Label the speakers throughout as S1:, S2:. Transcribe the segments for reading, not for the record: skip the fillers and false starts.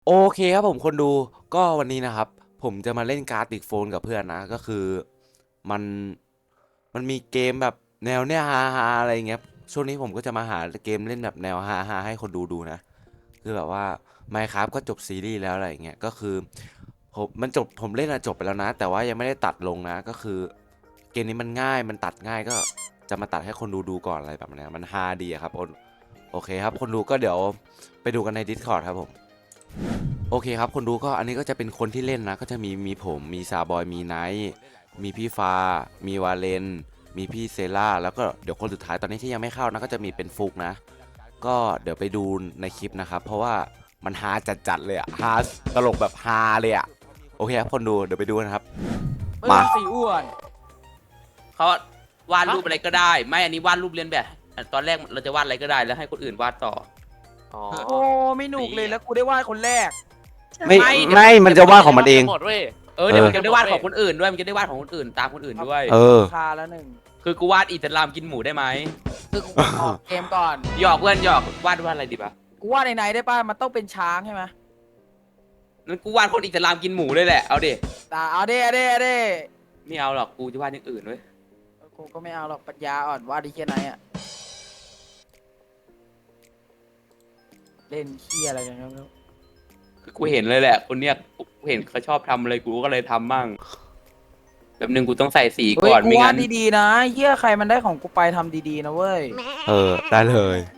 S1: โอเคครับผมคนดูก็วันนี้นะครับผมจะมาเล่นการ์ดติกโฟนกับเพื่อนนะก็คือมันมันมีเกมแบบแนวเนี้ยฮาอะไรเงี้ยช่วงนี้ผมก็จะมาหาเกมเล่นแบบแนวฮาให้คนดูนะคือแบบว่า Minecraft ก็จบซีรีส์แล้วอะไรเงี้ยก็คือผมเล่นจบไปแล้วนะแต่ว่ายังไม่ได้ตัดลงนะก็คือเกมนี้มันง่ายมันตัดง่ายก็จะมาตัดให้คนดูก่อนอะไรแบบนี้มันฮาดีครับโอเคครับคนดูก็เดี๋ยวไปดูกันใน Discord ครับผม โอเคครับคนดูก็อันนี้ก็จะเป็นคนที่เล่นนะก็จะมีผมมีซาบอยมีไนท์มีพี่ฟามีวาเลนมีพี่เซล่าแล้วก็เดี๋ยวคนสุดท้ายตอนนี้ที่ยังไม่เข้านะก็จะมีเป็นฟุกนะก็เดี๋ยวไปดูในคลิปนะครับเพราะว่ามันฮาจัดเลยอะฮาตลกแบบฮาเลยอะโอเคครับคนดูเดี๋ยวไปดูนะครับมา
S2: สีอ้วนเขาวาดรูปอะไรก็ได้ไม่อันนี้วาดรูปเลียนแบบตอนแรกเราจะวาดอะไรก็ได้แล้วให้คนอื่นวาดต่อ
S3: โอ้ไม่หนุกเลยแล้วกูได้วาดคนแรก
S1: ไม่ไม่มันจะวาดของมันเอง
S3: หมดเว้ย
S2: เดี๋ยวมันจะได้วาดของคนอื่นด้วยมันจะได้วาดของคนอื่นตามคนอื่นด้วย
S3: คาแล้วหนึ่ง
S2: คือกูวาดอิสลามกินหมูได้ไหม
S3: คือกูออกเกมก่อน
S2: หยอกเพื่อนหยอกวาดอะไรดีปะ
S3: กูวาดในไหนได้ป่ะมันต้องเป็นช้างใช่ไหม
S2: งั้นกูวาดคนอิสลามกินหมูเลยแหละเอาดิ
S3: เอาดิ
S2: ไม่เอาหรอกกูจะวาดอย่างอื่นเว้ย
S3: กูก็ไม่เอาหรอกปัญญาอ่อนวาดดีแค่ไหนอะเล่นเคี้ยอะไรกันครับ
S2: คือกูเห็นเลยแหละคนเนี้ยกูเห็นเขาชอบทำอะไรกูก็เลยทำมั่งแบบนึงกูต้องใส่สีก่อน
S3: กูวาดดีๆนะเฮี้ยใครมันได้ของกูไปทำดีๆนะเว้ย
S1: ได้เลย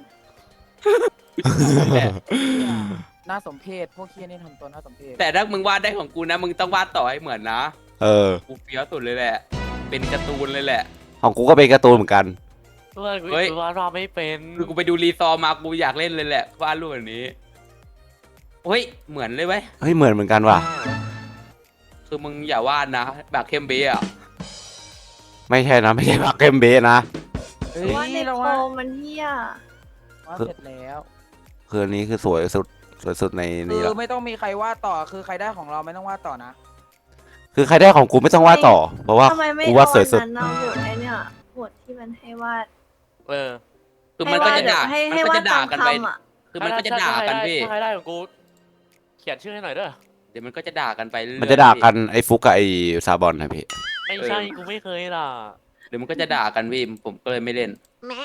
S3: น่าสมเพชพวกเคี้ยนี่ทำตัวน่าสมเพช
S2: แต่ถ้ามึงวาดได้ของกูนะมึงต้องวาดต่อให้เหมือนนะกูเฟี้ยวสุดเลยแหละเป็นการ์ตูนเลยแหละ
S1: ของกูก็เป็นการ์ตูนเหมือนกัน
S2: เฮ้ย
S3: ว่าเราไม่เป็น
S2: คือกูไปดูรีซอมากูอยากเล่นเลยแหละวาดรูปแบบนี้เฮ้ยเหมือนเลยเว้ย
S1: เฮ้ยเหมือนกันว่ะ
S2: คือมึงอย่าวาดนะแบบเข้มเบอ่ะ
S1: ไม่ใช่นะไม่ใช่บักเกมเบสนะ
S4: ว่าในโคมมันเฮี้ย
S3: ว่าเสร็จแล้ว
S1: คืออันนี้คือสวยสุดในนี้
S3: คื
S1: แล้ว
S3: อไม่ต้องมีใครวาดต่อคือใครได้ของเราไม่ต้องวาดต่อนะ
S1: คือใครได้ของกูไม่ต้องวาดต่อเพราะว่ากูวาดสวยสุด
S4: เอาบทไอเนี่ยบทที่มันให้วาด
S2: คือมันก็จะด่า
S4: ให้วาดตาม
S2: กันไป
S4: คำอ่ะ
S2: คือมันก็จะด่ากันพี่
S3: ใครได้ของกูเขียนชื่อให้หน่อยเด้อ
S2: เดี๋ยวมันก็จะด่ากันไป
S1: มันจะด่ากันไอ้ฟุกกับไอ้ซาบอนนะพี่
S3: ไม่ใช่กูไม่เคยล่ะ
S2: เดี๋ยวมันก็จะด่ากันพี่ผมก็เลยไม่เล่น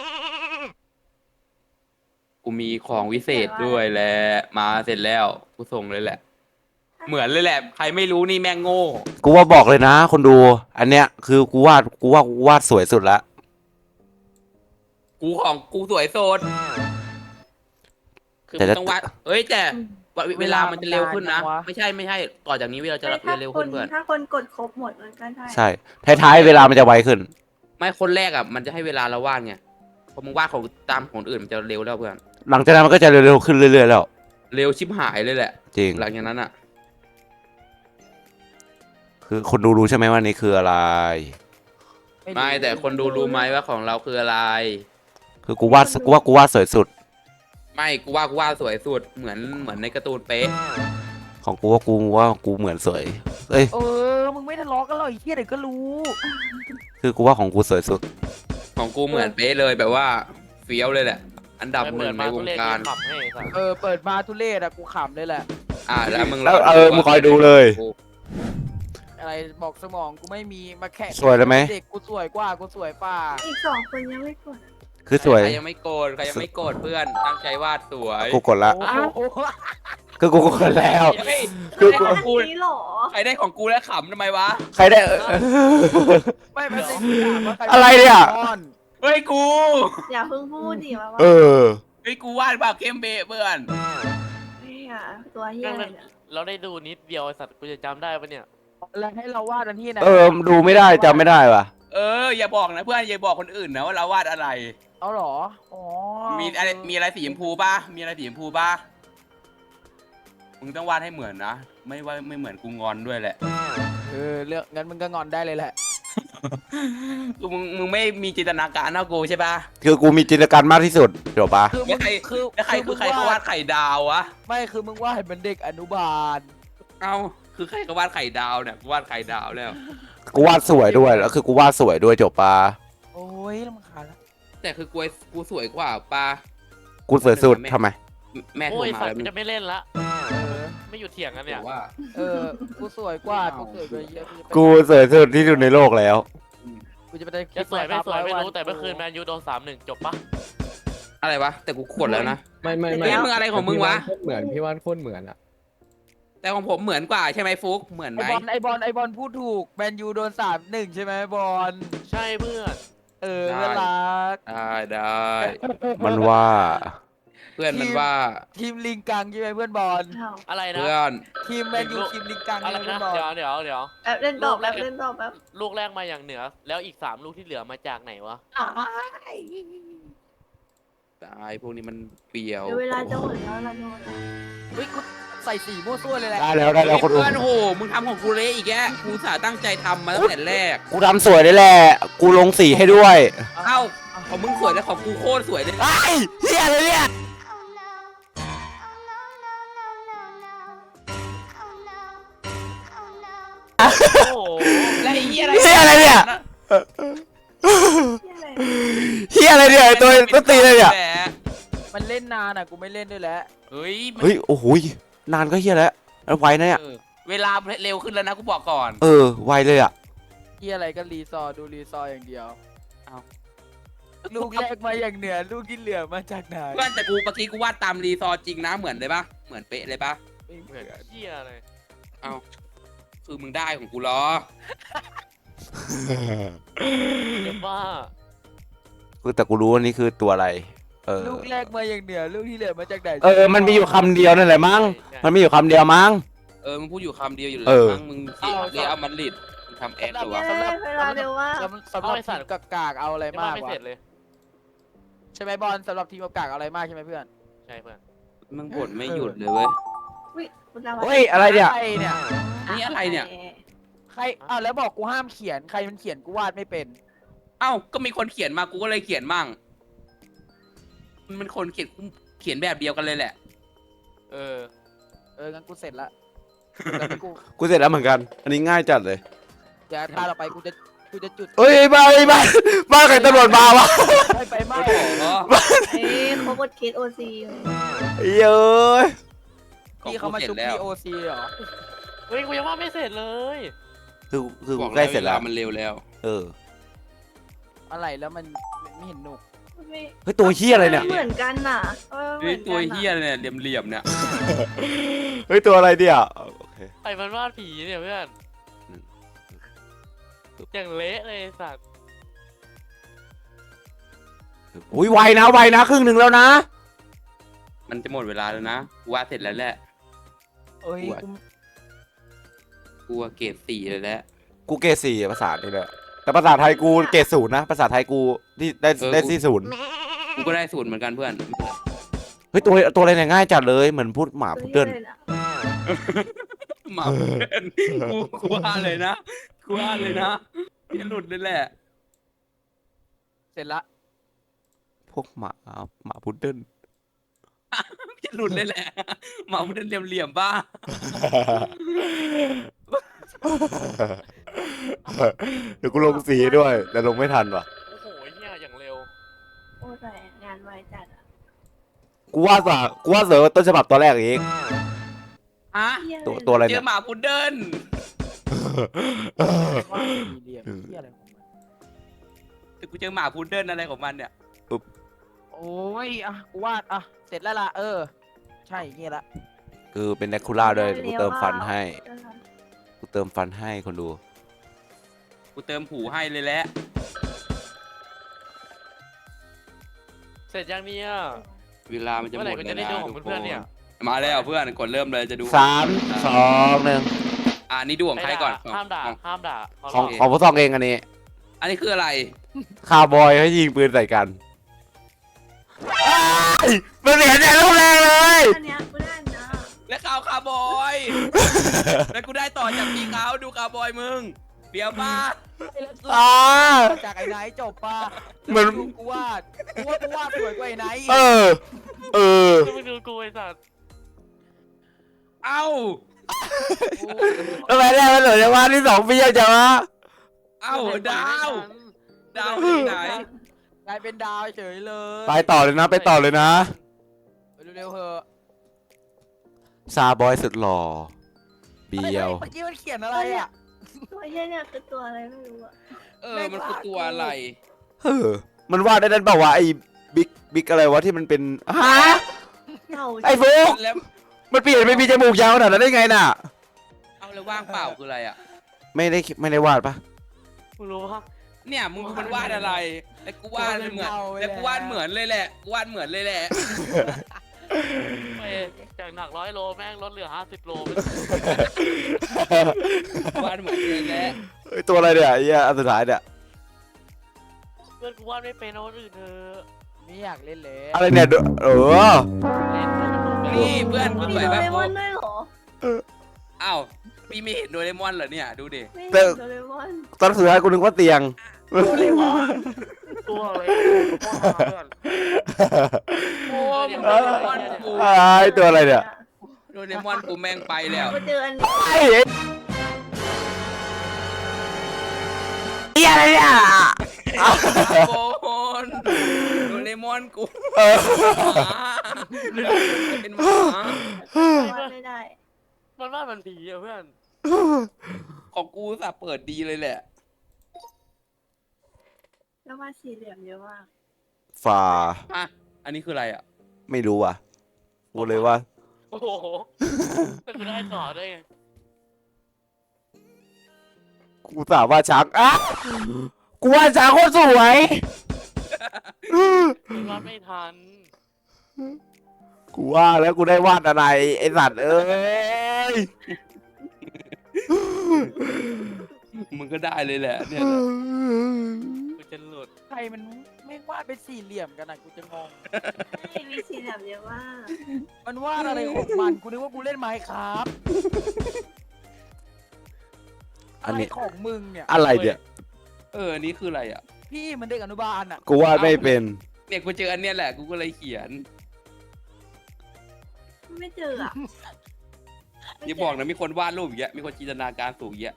S2: กูมีของวิเศษด้วยแหละมาเสร็จแล้วกูส่งเลยแหละเหมือนเลยแหละใครไม่รู้นี่แม่งโง่
S1: กูว่าบอกเลยนะคนดูอันเนี้ยคือกูวาดสวยสุดละ
S2: กูของกูสวยโซนคือมันต้องวาดเอ้ยแต่เวลามันจะเร็วขึ้นนะไม่ใช่ต่อจากนี้เราจะเร็วขึ้นเพื่อน
S4: ถ้าคนกดครบหมดมันก็ได้
S1: ใช่ท้ายเวลามันจะไวขึ้น
S2: ไม่คนแรกอ่ะมันจะให้เวลาเราวาดไงพอมึงวาดของตามของอื่นมันจะเร็วแล้วเพื่อน
S1: หลังจากนั้นมันก็จะเร็วๆขึ้นเรื่อยๆแล้ว
S2: เร็วชิบหายเลยแหละ
S1: จริง
S2: หลังจากนั้นอ่ะ
S1: คือคนดูรู้ใช่ไหมว่านี่คืออะไร
S2: ไม่แต่คนดูรู้ไหมว่าของเราคืออะไร
S1: คือกูวาดสวยสุด
S2: ไม่กูวาดสวยสุดเหมือนในการ์ตูนเป๊ะ
S1: ของกูว่ากูเหมือนสวยเอ้ย
S3: มึงไม่ทะเลาะกันหรอกไอ้เหี้ยเดี๋ยวก็รู้
S1: คือกูว่าของกูสวยสุด
S2: ของกูเหมือนเป๊ะเลยแบบว่าเฟี้ยวเลยแหละอันดับหนึ่งในวงการ
S3: เปิดมาทุเรศอะกูขำเลยแหละ
S2: แล้วมึง
S1: มึงคอยดูเลย
S3: อะไรบอกสมองกูไม่มีมาแข่ง
S1: สวยเลยไหม
S3: เด็กกูสวยกว่ากูสวยป่า
S4: อีก2 คนยังไม่กด
S1: คือสวย
S2: ใครยังไม่โกรธเพื่อนตั้งใจวาดสวย
S1: กูกดละคือกูกดแล้ว
S4: คือกูหรอ
S2: ใครได้ของกูแล้วขำทำไมวะ
S1: ใครได้
S3: ไม่
S1: อะไรเนี่ย
S2: เฮ้ยกู
S4: อย่าเพิ่งพูดดิว่า
S2: เฮ้ยกูวาดแบบเข้มเบะเพื่อน
S4: เนี่ยตัวเฮีย
S3: เราได้ดูนิดเดียวสัตว์กูจะจำได้ปะเนี่ยแล้วให้เราวาดอันที่ไหน
S1: ดูไม่ได้จำไม่ได้ว่ะ
S2: อย่าบอกนะเพื่อนอย่าบอกคนอื่นนะว่าเราวาดอะไร
S3: เอาหรออ๋อ
S2: มีอะไรสีชมพูป่ะมีอะไรสีชมพูป่ะมึงต้องวาดให้เหมือนนะไม่เหมือนกูงอนด้วยแหละ
S3: เรื่องงั้นมึงก็งอนได้เลยแหละ
S2: คือมึงไม่มีจินตนาการเท่ากูใช่ป่ะ
S1: คือกูมีจินตนาการมากที่สุดเดี๋ยวปะ
S2: ใครเขาวาดไข่ดาววะ
S3: ไม่คือมึงวาดเหมือนเด็กอนุบาล
S2: คือใครเขาวาดไข่ดาวเนี่ยกูวาดไข่ดาวแล้ว
S1: กูวาดสวยด้วยแล้วคือกูวาดสวยด้วยจบปะ
S3: โอ้ยรำคาญแล้ว
S2: แต่คือกูสวยกว่าปะ
S1: กูสวยสุดทำไม
S2: แม่โทรมาแล้ว
S3: จะไม่เล่นละไม่หยุดเถียงกันเนี่ย
S2: ว่า
S5: กูสวยกว่ากูสวยกว่าเยอะ
S1: กูสวยสุดที่สุดในโลกแล้ว
S5: กูจะไปได้
S3: จะสวยไม่สวยไม่รู้แต่เมื่อคืนแมนยูโดน3-1จบปะ
S2: อะไรวะแต่กูกดแล้วนะ
S6: ไม่
S2: เฮ้ยมึงอะไรของมึงวะ
S6: เหมือนพี่ว่านโคตรเหมือนอะ
S2: แต่ของผมเหมือนกว่าใช่ไหมฟุกเหมือนไหม
S5: ไอบอลพูดถูกแมนยูโดน3-1ใช่ไหมบอล
S3: ใช่เพื่อน
S5: เพื่อนรัก
S2: ได้
S1: มันว่า
S2: เพื่อนมันว่า
S5: ทีมลิงกังใช่ไหมเพื่อนบอล
S4: อ้าว
S3: อะไรนะ
S2: เพื่อน
S5: ทีมแมนยูทีมลิงกัง
S3: อะไร
S5: ใช่ไหม
S3: นะ
S5: เพื่อนบอล
S3: เดี๋ยว
S4: แป๊บเล่นต่อแป๊บเล่นต่อแป๊บ
S3: ลูกแรกมาอย่างเหนือ แล้วอีก3ลูกที่เหลือมาจากไหนวะ
S2: ตายพวกนี้มันเปรียว
S4: เดี๋ยวเวลาจะหมดแล้วล่ะโนน
S5: เฮ้ยกูใส่สีมั่วซั่วเลยแหละ
S1: ได้แล้วคนดู
S2: เพื่อนโหมึงทำของกูเละอีกแกกูสาตั้งใจทำมาตั้งแต่แรก
S1: กูทำสวยได้แหละ กูลงสีให้ด้วย
S2: เอ้าของมึงสวยแล้วของกูโคตรสวยเลย
S1: ไอ้เฮียอะไรเนี่ย
S3: โอ้โห
S2: แล้วไอ้เหี้ยอะไร
S1: เฮียอะไรเนี่ย
S4: ที่อะไร
S1: เฮียอะไรเนี่ยไอ้ตัวต้นตีเลยเนี่ย
S5: มันเล่นนานอ่ะกูไม่เล่นด้วยแล้ว
S2: เฮ้ย
S1: เฮ้ย โอ้โหยนานก็เฮียแล้วไวนะเนี่ย
S2: เวลาเร็วขึ้นแล้วนะกูบอกก่อน
S1: ไวเลยอ่ะ
S5: ที่อะไรก็รีซอร์ดูรีซอร์อย่างเดียว
S2: เอา
S5: ลูกแรกมาอย่างเหนือลูกที่เหลือมาจากไหน
S2: เพื่อนแต่กูเมื่อกี้กูวาดตามรีซอร์จริงนะเหมือนเลยปะเหมือนเป๊ะเลยปะ
S5: ไม่เห
S3: เห
S5: มื
S3: มื
S5: อ
S3: อน นเหี้ยเลย
S2: เอ้าคือมึงได้ของกูเหรอ
S3: เดี๋ยวว่า
S1: แต่กูรู้ว่านี่คือตัวอะไร
S5: ลูกแรกมาอย่างเหนือลูกที่เหลือมาจากไหน
S1: มันมีอยู่คำเดียวนั่นแหละมั้ง มันมีอยู่คำเดียวมั้ง
S2: มึงพูดอยู่คำเดียวอยู่เลย
S1: เออ
S2: มั้งมึงเสียเรียเอามันลิดมึงทำแอคหรือวะ
S4: เย้เวลาเร็วว่า
S5: สำหรับทีมกากๆเอาอะไร
S3: ยัง
S5: มาก
S3: ไม่
S5: วะ
S3: เสร็จเลย
S5: ใช่ไหมบอลสำหรับทีมกากๆเอาอะไรมากใช่ไหมเพื่อน
S3: ใช่เพื่อน
S2: มึงบ่นไม่หยุดเลยเว้ย
S4: อุ๊ยคุณดาว
S1: เฮ้ย อะไรเนี่ย
S5: ใครเนี่ย
S2: นี่อะไรเนี่ย
S5: ใครอ้าวแล้วบอกกูห้ามเขียนใครมันเขียนกูวาดไม่เป็น
S2: เอ้าก็มีคนเขียนมากูก็เลยเขียนมั่งมันคนเขียนแบบเดียวกันเลยแหละ
S3: เออ
S5: งั้นกูเสร็จละเดี๋ยวกู
S1: กูเสร็จแล้วเหมือนกัน อันนี้ง่ายจัดเลย
S5: เดี๋ยวตาต่อไปกูจะจุด
S1: เอ้ยบ้าใครตำรวจมาวะ
S5: ไม่ไปไม่
S2: โอ้โห
S4: เอ้ยเขากดเคสโอซี
S1: เย้ย
S5: พี่เขามาชุบ
S2: แล้ว
S5: POC เหรอ
S3: เฮ้ยกูยังว่าไม่เสร็จเลย
S1: คือ
S2: บอก
S1: กูใกล้เสร็จแล้ว
S2: มันเร็วแล้ว
S5: อะไรแล้วมันไม่เห็นหนุก
S1: เฮ้ย ตัวเฮียอะไรเนี่ย
S4: เหมือนกันน่ะ
S2: เฮ้ยตัวเฮียเนี่ยเหลี่ยมๆเนี่ย
S1: เฮ้ย ตัวอะไรเนี่ยโอเค
S3: ใครมันวาดผีเนี่ยเพื่อนอย่างเละเลยไอ้สัตว์
S1: อุ้ยไวนะครึ่งหนึ่งแล้วนะ
S2: มันจะหมดเวลาแล้วนะกูวาดเสร็จแล้วแหละ
S5: เอ้ย
S2: อวด กูว่าเกรด4เลยแหละ
S1: กูเกรดสี่ภาษานี่แหละแต่ภาษาไทยกูเกรดศูนย์นะ ภาษาไทยกูที่ได้ที่ศูนย์
S2: กูก็ได้ศูนย์เหมือนกันเพื่อน
S1: เฮ้ย ตัวอะไรเนี่ยง่ายจัดเลย เหมือนพูดหมาพูดเดิน
S2: หมาเพื่อนกูว่าเลยนะกูว่าเลยนะพี่หลุดเลยแหละ
S5: เสร็จละ
S1: พวกหมาพุดเดิ้ล
S2: พี่หลุดเลยแหละหมามันเหลี่ยมๆบ้า
S1: เดี๋ยวกูลงสีด้วย แต่ลงไม่ทันว่ะ
S3: โอ้โหเหี้ยอย่างเร็ว
S4: โอ้แต่งานไวจัดอ่ะ
S1: กูว่าเสือต้นฉบับตัวแรกเอง
S2: ฮะ
S1: ตัวอะไร
S2: เจ
S1: เนี่
S2: อย หมาพุดเดิ้ล
S5: ว่าสี่เหลี่ยมที่อะไรของมัน
S2: แต่กูเจอหมาพุดเดิ้ลอะไรของมันเนี่ย
S5: โอ้ยกูวาดเสร็จแล้วล่ะใช่เงี้ยละ
S1: คือเป็นแดคูล่าด้วยกูเติมฟันให้คนดู
S2: กูเติมผูให้เลยแหละ
S3: เสร็จยังเนี่ย
S2: เวลามันจะหม
S3: เมื่อไหร่
S2: ด
S3: กู
S2: เล
S3: จะ
S2: ย
S3: ได้
S2: นะ
S3: ดูของเพื่อนๆเนี่ย
S2: มาแล้วเพื่อนกดเริ่มเลยจะดู
S1: 3 2 1
S2: นี่ดูของใครก่อน
S3: ห้ามด่า
S2: ของ
S3: ห้ามด่า
S1: ของพวกซองเองอันนี้
S2: อันนี้คืออะไร
S1: คาวบอยให้ยิงปืนใส่กันมันเสียใจลูกแรงเลย
S4: อันเนี้ยกูได้นะ
S2: และข่าวคาร์บอย แล้วกูได้ต่อจากพี่เขาดูคาร์บอยมึงเปียวป้า
S5: จากไอ้ไนท์จบป่ะ
S1: เหมือน
S5: กูวาดสวยกว่าไอ้ไนท์
S1: เออ
S3: ก็ไปดูกูไอ้สัตว์
S2: เอ้า
S1: ทำไมได้มันเหลือจังวะที่2 ปีจังวะ
S2: เอ้าดาวที่ไหน
S5: กลายเป็นดาวเฉยเลย
S1: ไปต่อเลยนะ
S5: เร็วๆเถอะ
S1: ซาบอยสุดหล่อเบียว
S5: เมื่อกี้มันเขียนอะไรอ่ะ
S4: ตัวเหี้ยเนี่ยคือตัวอะไรไม่รู้อะ
S2: มันคือตัวอะไร
S1: เออมันวาดได้นั่นเปล่าวะไอ้บิ๊กอะไรวะที่มันเป็นฮะ
S4: เต่า
S1: ไอ้ฟุก
S2: แล้ว
S1: มันเปลี่ยนไปมีจมูกยาวขนาดนั้นได้ไงน่ะ
S2: เอาแล้วว่างเปล่าคืออะไรอ่ะ
S1: ไม่ได้วาดปะ
S3: มึงรู้ปะ
S2: เนี่ยมึงดูมันวาดอะไรแล้วกูวาดเหมือนแล้วกูวาดเหมือนเลยแหละกูวาดเหมือนเลยแหละ
S3: ไม่จากหนัก100 โลแม่งลดเหลือ50 โล
S2: วาดเหมือนเลยแหละ
S1: เฮ้ยตัวอะไรเนี่ยไอ้เหี้ยอันสุดท้ายเนี่ย
S3: เพื่อนกูวาดไม่เป็นเอาคนอื่นเถอะ
S5: ไม่อยากเล่นเลย
S1: อะไรเนี่ยเออ
S3: เล่นให้มันดูเป็น
S2: นี่เพื่อนกู
S4: มี
S2: สวย
S4: โด
S2: แบบ
S4: เร
S2: กู
S4: มอนด้วยเหรอ
S2: อ้าวพี่ไม่เห็นโดเรมอนเหรอเนี่ยดูดิ
S4: ไม่เห็นโดเรมอน
S1: ตอนสุดท้ายกูนึกว่าเตียง
S3: ตัวอะไรโคตรหาเพื่อน
S2: โอ้ยโดเรมอนกู
S1: ไอ้ตัวอะไรเนี่ย
S2: โดเรมอนกูแม่งไปแล้ว
S4: กูเจออันนี้
S1: ไอ้เหี้ยอะไรเนี่ย
S2: โกนโดเรมอนกู
S1: เออ
S2: หมาเป็นหมา
S4: วาดไม่ได้
S3: มันว่ามันผีอะเพื่อน
S2: ของกูสับเปิดดีเลยแหละ
S4: แล้ววาดสี่เหลี่ยมเยอะมาก
S1: ฝ่า
S2: อ่ะอันนี้คืออะไรอ่ะ
S1: ไม่รู้อ่ะกูเลยว่า
S3: โอ้โหก็คือได้ต่อได้ไง
S1: กูสาวว่าช้างอ่ะกูว่าช้างโคตรสวย
S3: มันวาดไม่ทัน
S1: กูว่าแล้วกูได้วาดอะไรไอสัตว์เอ้ย
S2: มึงก็ได้เลยแหละเนี่ย
S3: กูจะหลุด
S5: ใครมันไม่วาดเป็นสี่เหลี่ยมกันอ่ะกูจะงง
S4: ไม่มีสี่เหลี่ยมเยอะมาก
S5: มันวาดอะไรของมันกูนึกว่ากูเล่นไมค์ครับ
S1: อันนี้
S5: ะไรของมึงเนี่ย
S1: อะไรเนี่ย
S2: อันนี้คืออะไรอ่ะ
S5: พี่มันเด็กอนุบาลอ่ะ
S1: กูวาดไม่เป็น
S2: เนี่ยกูเจออันเนี้ยแหละกูก็เลยเขียน
S4: ไม่เจออะ
S2: อย่าบอกนะมีคนวาดรูปอย่างเงี้ยมีคนจินตนาการสูงอย่างเงี้ย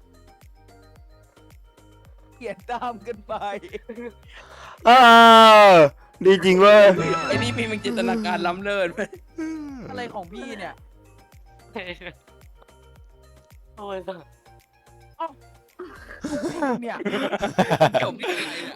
S5: เขียนตามกันไป
S1: เออดีจริงเว้ย
S2: ไอ้นี่มีมันจินตนาการล้ำเลิศ
S5: อะไรของพี่เนี่ย
S3: โอ้ยสัส
S5: เนี่ย
S2: จบที่ไหนเนี่ย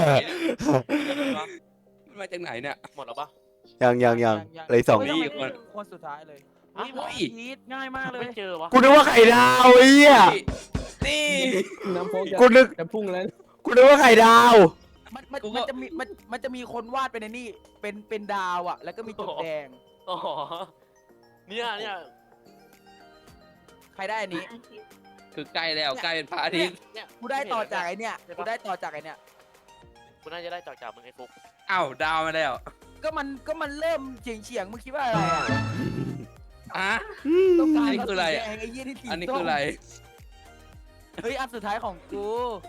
S2: มันมาจากไหนเนี่ย
S3: หมดแล้วปะ
S1: ยังเลยสอง
S2: นี่คน
S5: คนสุดท้ายเลย
S2: เฮ้ย
S5: พีทง่ายมากเลย
S3: ไม่เจอวะ
S1: กูนึกว่าไข่ดาวไอ้เหี้ย
S2: นี่
S6: น้ำโฟก
S1: กูนึก
S6: จะพุ่งแล้ว
S1: กูนึกว่าไข่ดาว
S5: มันจะมีคนวาดเป็นไอ้นี่เป็นดาวอ่ะ แล้วก็มีจุดแดง
S3: อ๋อเนี่ย
S5: ใครได้อันนี้
S4: อาทิตย์
S2: คือใกล้แล้วใกล้เป็นพระอาทิตย์
S3: เนี่ย
S5: กูได้ต่อจากไอ้เนี่ยกูได้ต่อจากไอ้เนี่ย
S3: กูน่าจะได้จากมึงไอ้ฟุก
S2: อ้าวดาวมาแล้ว
S5: ก็มันเริ่มเฉียงมึงคิดว่าอะไรอ่ะ
S2: อ่ะ
S5: ต้องการ
S2: อันนี้คืออะไร
S5: สีแดงไอ้ยี่ที่สี
S2: อันนี้
S5: ส้
S2: คือ
S5: ม
S2: อะไร
S5: เฮ้ยอันสุดท้ายของกู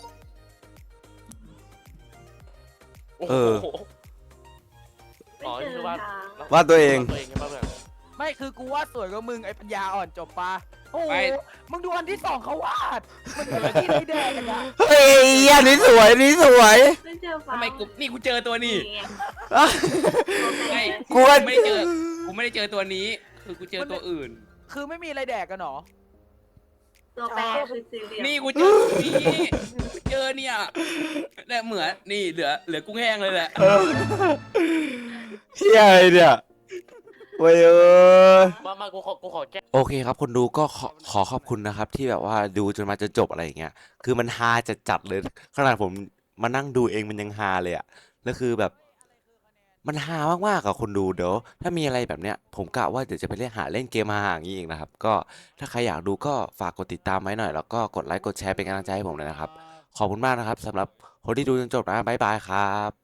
S3: โอ้
S1: เอ
S3: โห
S1: อ
S4: ไม่เจอทาง
S1: วาดตัวเอง
S3: ตัวเองใช่ปะเพื่อน
S5: ไม่คือกูวาดสวยกว่ามึงไอ้ปัญญาอ่อนจบปะโอ้โห
S2: ไม่
S5: มึงดูอันที่สองเขาวาดมันเป็นที่ไม่แดงกันอะ
S1: เฮ้ยอันนี้สวยอันนี้สวย
S4: ไม่เจอฟ้า
S2: ทำไมกูเจอตัวนี้ ไม่
S1: กูว่า
S2: ไม่ได้เจอกูไม่ได้เจอตัวนี้ คือกูเจอตัวอื่น
S5: คือไม่มีอะไรแดกกันหรอ
S4: ตัวแปรคือสี่เหลี่ยม
S2: นี่กูเจอตัวนี้กูเจอเนี่ยแต่เหมือนนี่เหลือกุ้งแห้งเลยแหละ
S1: เฮียอะไรเนี่ยเว้ย
S3: มากูขอแก้
S1: โอเคครับคนดูก็ขอขอบคุณนะครับ ที่แบบว่าดูจนมาจนจบอะไรอย่างเงี้ยคือมันฮาจัดเลยขนาดผมมานั่งดูเองมันยังฮาเลยอะแล้วคือแบบมันฮามากๆกับคนดูเดี๋ยวถ้ามีอะไรแบบเนี้ยผมกะว่าเดี๋ยวจะไปเล่นเกมฮาๆอย่างนี้เองนะครับก็ถ้าใครอยากดูก็ฝากกดติดตามไว้หน่อยแล้วก็กดไลค์กดแชร์เป็นกำลังใจให้ผมเลยนะครับขอบคุณมากนะครับสำหรับคนที่ดูจนจบนะบ๊ายบายครับ